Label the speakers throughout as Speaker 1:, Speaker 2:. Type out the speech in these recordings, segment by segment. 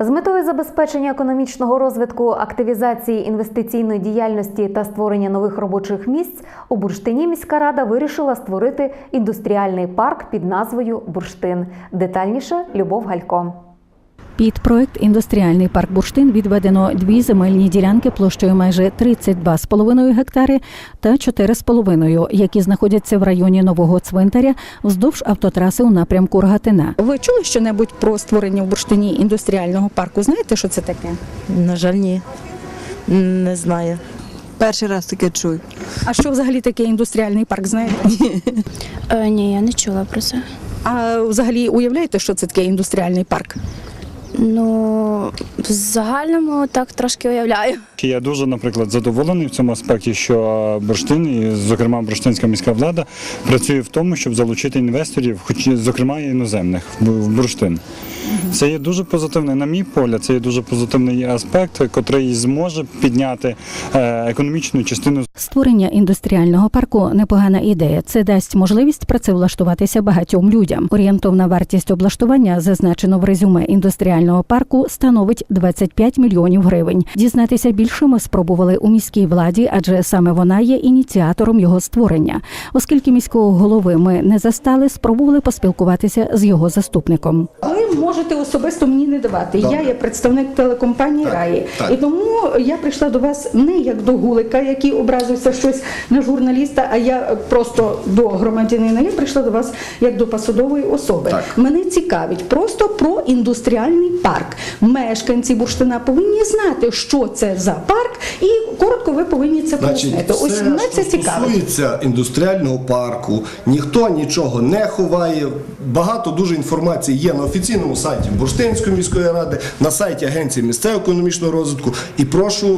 Speaker 1: З метою забезпечення економічного розвитку, активізації інвестиційної діяльності та створення нових робочих місць у Бурштині міська рада вирішила створити індустріальний парк під назвою «Бурштин». Детальніше Любов Галько.
Speaker 2: Під проект «Індустріальний парк Бурштин» відведено 2 земельні ділянки площею майже 32,5 гектари та 4,5, які знаходяться в районі Нового Цвинтаря вздовж автотраси у напрямку Рогатина. Ви чули що-небудь про створення в Бурштині індустріального парку? Знаєте, що це таке?
Speaker 3: На жаль, ні. Не знаю. Перший раз таке чую.
Speaker 2: А що взагалі таке індустріальний парк, знаєте?
Speaker 4: Ні, я не чула про це.
Speaker 2: А взагалі уявляєте, що це таке індустріальний парк?
Speaker 4: Ну, в загальному так трошки уявляю.
Speaker 5: Я дуже, наприклад, задоволений в цьому аспекті, що Бурштин, і, зокрема, бурштинська міська влада, працює в тому, щоб залучити інвесторів, хоч, зокрема, і іноземних, в Бурштин. Це є дуже позитивний, на мій погляд, це є дуже позитивний аспект, який зможе підняти економічну частину.
Speaker 2: Створення індустріального парку – непогана ідея. Це дасть можливість працевлаштуватися багатьом людям. Орієнтовна вартість облаштування, зазначено в резюме індустріального парку, становить 25 мільйонів гривень. Дізнатися більше ми спробували у міській владі, адже саме вона є ініціатором його створення. Оскільки міського голови ми не застали, спробували поспілкуватися з його заступником. Ви можете особисто мені не давати.
Speaker 6: Добре.
Speaker 2: Я є представник телекомпанії «Раї».
Speaker 6: так.
Speaker 2: І тому я прийшла до вас не як до гулика, який образився щось на журналіста, а я просто до громадянина. Я прийшла до вас як до посадової особи.
Speaker 6: Так.
Speaker 2: Мене цікавить просто про індустріальний парк. Мешканці Бурштина повинні знати, що це за парк, і коротко ви повинні це пояснити. Ось
Speaker 6: все,
Speaker 2: мене це
Speaker 6: що
Speaker 2: цікавить.
Speaker 6: стосується індустріального парку, ніхто нічого не ховає. Багато дуже інформації є на офіційному сайті Бурштинської міської ради, на сайті Агенції місцевого економічного розвитку. І прошу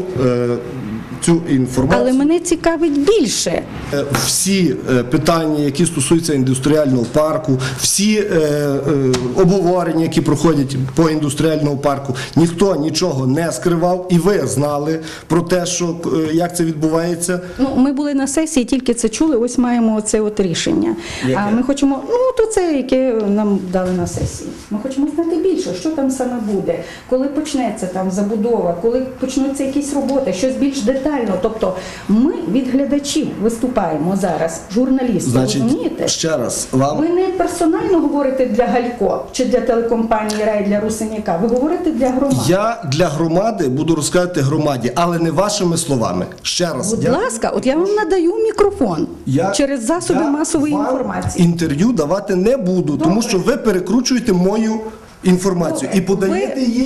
Speaker 6: цю інформацію.
Speaker 2: Але мене цікавить більше.
Speaker 6: Всі питання, які стосуються індустріального парку, всі обговорення, які проходять по індустріальному парку, ніхто нічого не скривав, і ви знали про те, що як це відбувається.
Speaker 2: Ну, ми були на сесії, тільки це чули, ось маємо це от рішення.
Speaker 6: Яке?
Speaker 2: А ми хочемо, то це, яке нам дали на сесії. Ми хочемо знати більше, що там саме буде, коли почнеться там забудова, коли почнуться якісь роботи, щось більш детально. Тобто ми від глядачів виступаємо зараз, журналісти, розумієте?
Speaker 6: Ще раз, вам...
Speaker 2: Ви не персонально говорите для Галько чи для телекомпанії «Рай», для Русиняка, ви говорите для громади.
Speaker 6: Я для громади буду розказувати громаді, але не вашими словами. Ще раз.
Speaker 2: Будь ласка, от я вам надаю мікрофон через засоби масової інформації.
Speaker 6: Інтерв'ю давати не буду, тому що ви перекручуєте мою інформацію і подаєте її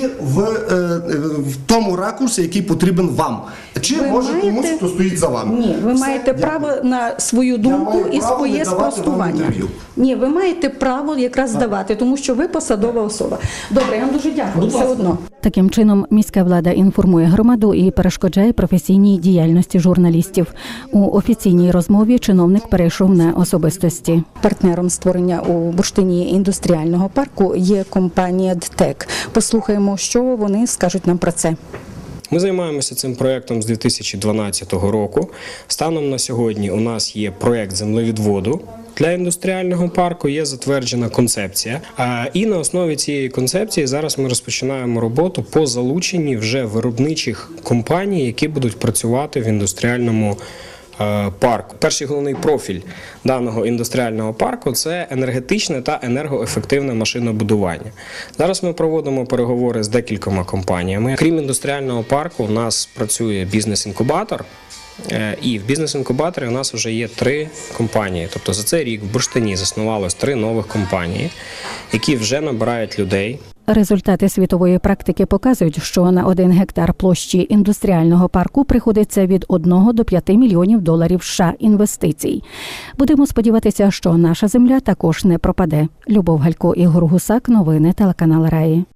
Speaker 6: в тому ракурсі, який потрібен вам. Чи може комусь, хто стоїть за вами.
Speaker 2: Ні, ви маєте право на свою думку і своє спростування. Ні, ви маєте право якраз давати, тому що ви посадова особа. Добре, я вам дуже дякую. Все одно. Таким чином, міська влада інформує громаду і перешкоджає професійній діяльності журналістів. У офіційній розмові чиновник перейшов на особистості. Партнером створення у Бурштині індустріального парку є компанія «ДТЕК». Послухаємо, що вони скажуть нам про це.
Speaker 7: Ми займаємося цим проєктом з 2012 року. Станом на сьогодні у нас є проєкт землевідводу. Для індустріального парку є затверджена концепція. І на основі цієї концепції зараз ми розпочинаємо роботу по залученні вже виробничих компаній, які будуть працювати в індустріальному парку. Перший головний профіль даного індустріального парку – це енергетичне та енергоефективне машинобудування. Зараз ми проводимо переговори з декількома компаніями. Крім індустріального парку, у нас працює бізнес-інкубатор. І в бізнес-інкубаторі у нас вже є 3 компанії. Тобто за цей рік в Бурштині заснувалось 3 нових компанії, які вже набирають людей. Результати світової практики показують, що на 1 гектар площі індустріального парку приходиться від 1 до 5 мільйонів доларів США інвестицій. Будемо сподіватися, що наша земля також не пропаде. Любов Галько, Ігор Гусак, новини телеканал «Раї».